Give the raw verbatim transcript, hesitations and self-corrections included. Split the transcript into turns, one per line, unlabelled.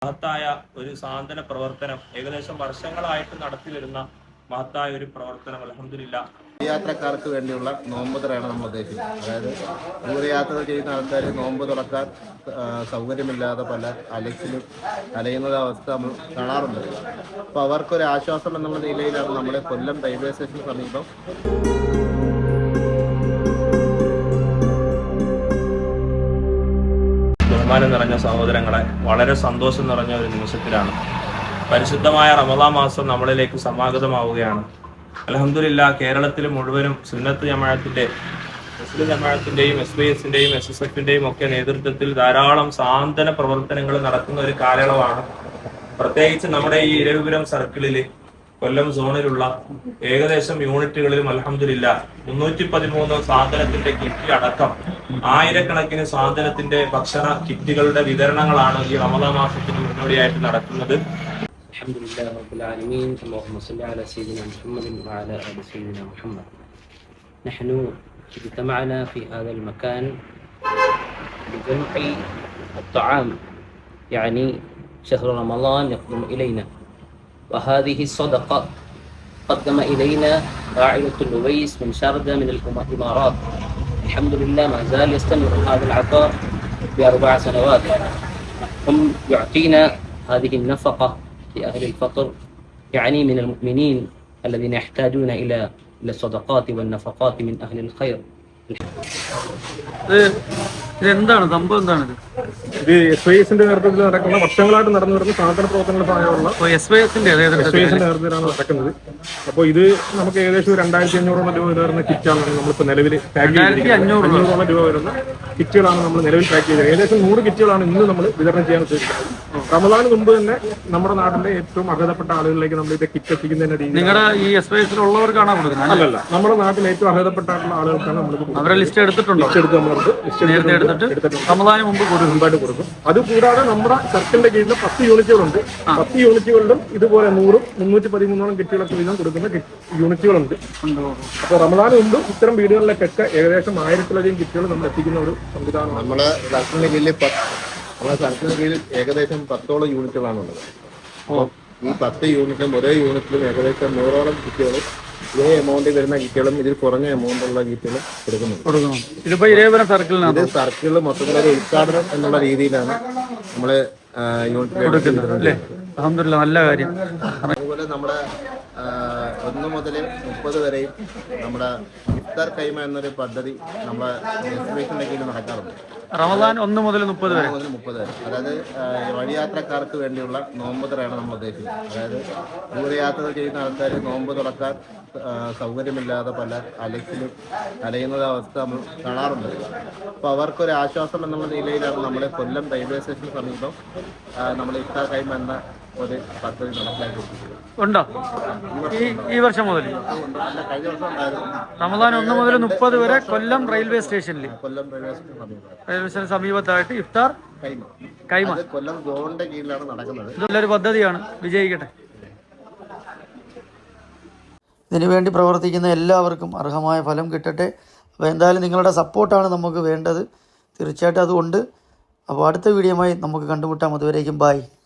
മഹത്തായ ഒരു സാന്ത്വന പ്രവർത്തനം ഏകദേശം വർഷങ്ങളായിട്ട് നടത്തി വരുന്ന മഹത്തായ ഒരു പ്രവർത്തനം അൽഹംദുലില്ലാഹ്
യാത്രക്കാർക്ക് വേണ്ടിയുള്ള നോമ്പ് തുറയാണ് നമ്മൾ ഉദ്ദേശിക്കുന്നത്. അതായത് ദൂരയാത്ര ചെയ്യുന്ന ആൾക്കാർ നോമ്പ് തുറക്കാൻ സൗകര്യമില്ലാതെ പല അലച്ചിലും അലയുന്ന അവസ്ഥ നമ്മൾ കാണാറുണ്ട്. അപ്പോൾ അവർക്കൊരു ആശ്വാസം എന്നുള്ള നിലയിലാണ് നമ്മുടെ കൊല്ലം റെയിൽവേ സ്റ്റേഷന് സമീപം
ബഹുമാനം നിറഞ്ഞ സഹോദരങ്ങളെ, വളരെ സന്തോഷം നിറഞ്ഞ ഒരു നിമിഷത്തിലാണ് പരിശുദ്ധമായ റമളാൻ മാസം നമ്മളിലേക്ക് സമാഗതമാവുകയാണ്. അൽഹംദുലില്ലാഹ് കേരളത്തിൽ മുഴുവനും സുന്നത്ത് ജമാഅത്തിന്റെ മുസ്ലിം ജമാഅത്തിന്റെയും എസ് വൈ എസിന്റെയും എസ് എസ് എഫിന്റെയും ഒക്കെ നേതൃത്വത്തിൽ ധാരാളം സാന്ത്വന പ്രവർത്തനങ്ങൾ നടക്കുന്ന ഒരു കാലയളവാണ്. പ്രത്യേകിച്ച് നമ്മുടെ ഈ ഇരവിപുരം സർക്കിളില് കൊല്ലം സോണിലുള്ള ഏകദേശം യൂണിറ്റുകളിലും അൽഹംദുലില്ലാഹ് മുന്നൂറ്റി പതിമൂന്ന് സാധനത്തിന്റെ കിറ്റ് അടക്കം ആയിരക്കണക്കിന് സാധനത്തിന്റെ ഭക്ഷണ കിറ്റുകളുടെ വിതരണങ്ങളാണ് ഈ റമളാൻ മാസത്തിന് മുന്നോടിയായിട്ട് നടക്കുന്നത്.
അൽഹംദുലില്ലാഹി റബ്ബിൽ ആലമീൻ. اللهم صل على سيدنا محمد وعلى آل سيدنا محمد. نحن اجتمعنا في هذا المكان لجمع الطعام، يعني شهر رمضان يقدم إلينا، وهذه الصدقة قدم إلينا عائلة اللويس من شاردة من الإمارات. الحمد لله ما زال يستمر هذا العطاء بأربع سنوات. هم يعطينا هذه النفقة لأهل الفقر، يعني من المؤمنين الذين يحتاجون إلى إلى الصدقات والنفقات من أهل الخير.
ഇതെന്താണ് സംഭവം? എന്താണ്
ഇത് എസ് വൈ എസിന്റെ നേതൃത്വത്തിൽ നടക്കുന്ന വർഷങ്ങളായിട്ട് നടന്നു വരുന്ന സാധന പ്രവർത്തനങ്ങളുടെ സഹായമുള്ള
എസ് വൈ എസിന്റെ
എസ് വൈ എസിന്റെ നേതൃത്വത്തിലാണ് നടക്കുന്നത്. അപ്പോൾ ഇത് നമുക്ക് ഏകദേശം രണ്ടായിരത്തി അഞ്ഞൂറോളം രൂപ വരുന്ന കിറ്റാണ് നമ്മളിപ്പോൾ നിലവിൽ പാക്ക് ചെയ്തിരിക്കുന്നത്. അഞ്ഞൂറോളം രൂപ വരുന്ന കിറ്റുകളാണ് നമ്മൾ നിലവിൽ പാക്ക് ചെയ്തത്. ഏകദേശം നൂറ് കിറ്റുകളാണ് ഇന്ന് നമ്മൾ വിതരണം ചെയ്യാൻ ഉദ്ദേശിക്കുന്നത്. റമദാന് മുമ്പ് തന്നെ നമ്മുടെ നാട്ടിലെ ഏറ്റവും അർഹതപ്പെട്ട ആളുകളിലേക്ക് നമ്മൾ ഇത് കിറ്റ് എത്തിക്കുന്നതിന്റെ രീതി
നിങ്ങളുടെ ഈ എസ് വൈ എസിലുള്ളവർക്കാണോ കൊടുക്കുന്നത്?
അല്ലല്ല, നമ്മുടെ നാട്ടിലെ ഏറ്റവും അർഹതപ്പെട്ടായിട്ടുള്ള ആളുകൾക്കാണ് നമ്മൾ
അവരെ ലിസ്റ്റ് എടുത്തിട്ടുണ്ടോ?
ലിസ്റ്റ് എടുത്ത് നമ്മളത്
നേരത്തെ എടുത്തിട്ട് റമദാന് മുമ്പ്
മുമ്പായിട്ട് കൊടുക്കും. അതുകൂടാതെ നമ്മുടെ സർക്കിളിന്റെ കീഴിൽ പത്ത് യൂണിറ്റുകളുണ്ട്. പത്ത് യൂണിറ്റുകളിലും ഇതുപോലെ നൂറും മുന്നൂറ്റി പതിമൂന്നോളം കിറ്റുകളൊക്കെ വീതം കൊടുക്കുന്ന യൂണിറ്റുകളുണ്ട്. അപ്പോൾ റമദാന് മുമ്പ് ഇത്തരം വീടുകളിലേക്കൊക്കെ ഏകദേശം ആയിരത്തിലധികം കിറ്റുകൾ നമ്മൾ എത്തിക്കുന്ന ഒരു സംവിധാനം
നമ്മുടെ സർക്കിളിന്റെ കീഴിൽ നമ്മുടെ സർക്കിളിന്റെ കീഴിൽ ഏകദേശം പത്തോളം യൂണിറ്റുകളാണുള്ളത്. അപ്പോൾ ഈ പത്ത് യൂണിറ്റിലും ഒരേ യൂണിറ്റിലും ഏകദേശം നൂറോളം കിറ്റുകളും ഇതേ എമൗണ്ടിൽ വരുന്ന കിറ്റുകളും ഇതിൽ കുറഞ്ഞ എമൗണ്ടുള്ള കിറ്റുകളും കൊടുക്കുന്നുണ്ട്.
ഇതിപ്പോ ഇരേപുരം സർക്കിളിനകത്ത്
ഇത് സർക്കിളിൽ മൊത്തത്തിലൊരു ഉദ്ഘാടനം എന്നുള്ള രീതിയിലാണ് നമ്മള് യൂണിറ്റ് കൊടുക്കുന്നത്.
അൽഹംദുലില്ലാഹ്, നല്ല കാര്യം.
അതുപോലെ നമ്മുടെ ഒന്ന് മുതൽ മുപ്പത് വരെയും നമ്മുടെ ഇഫ്താർ കൈമ എന്നൊരു പദ്ധതി നമ്മുടെ എക്സിബിഷന്റെ കീഴിൽ നടക്കാറുണ്ട്.
റമദാൻ ഒന്ന് മുതൽ മുപ്പത് വരെ
മുതൽ മുപ്പത് വരെ അതായത് വഴിയാത്രക്കാർക്ക് വേണ്ടിയുള്ള നോമ്പ് തുറയാണ് നമ്മൾ ഉദ്ദേശിക്കുന്നത്. അതായത് ദൂരയാത്ര ചെയ്യുന്ന ആൾക്കാർ നോമ്പ് തുറക്കാൻ സൗകര്യമില്ലാതെ പല അലച്ചിലും അലയുന്ന അവസ്ഥ നമ്മൾ കാണാറുണ്ട്. അപ്പോൾ അവർക്കൊരു ആശ്വാസം എന്നുള്ള നിലയിലാണ് നമ്മുടെ കൊല്ലം റെയിൽവേ സ്റ്റേഷന് സമീപം നമ്മൾ ഇഫ്താർ കൈമ എന്ന ഒരു പദ്ധതി നടപ്പിലാക്കിയിട്ടുണ്ട്.
ഉണ്ടോ ഈ ഈ വർഷം മുതൽ?
കഴിഞ്ഞ വർഷം ഉണ്ടായിരുന്നു.
റമദാൻ ഒന്ന് മുതൽ മുപ്പത് വരെ കൊല്ലം റെയിൽവേ സ്റ്റേഷനിൽ
കൊല്ലം റെയിൽവേ സ്റ്റേഷൻ സമീപം
റെയിൽവേ സ്റ്റേഷൻ സമീപത്തായിട്ട് ഇഫ്താർ
കൈമ
കൈമ
കൊല്ലം സോണിന്റെ കീഴിലാണ് നടക്കുന്നത്.
ഇതൊരു പദ്ധതിയാണ്, വിജയിക്കട്ടെ.
ഇതിനുവേണ്ടി പ്രവർത്തിക്കുന്ന എല്ലാവർക്കും അർഹമായ ഫലം കിട്ടട്ടെ. അപ്പോൾ എന്തായാലും നിങ്ങളുടെ സപ്പോർട്ടാണ് നമുക്ക് വേണ്ടത്, തീർച്ചയായിട്ടും അതുകൊണ്ട്. അപ്പോൾ അടുത്ത വീഡിയോയുമായി നമുക്ക് കണ്ടുമുട്ടാം. അതുവരേക്കും ബായ്.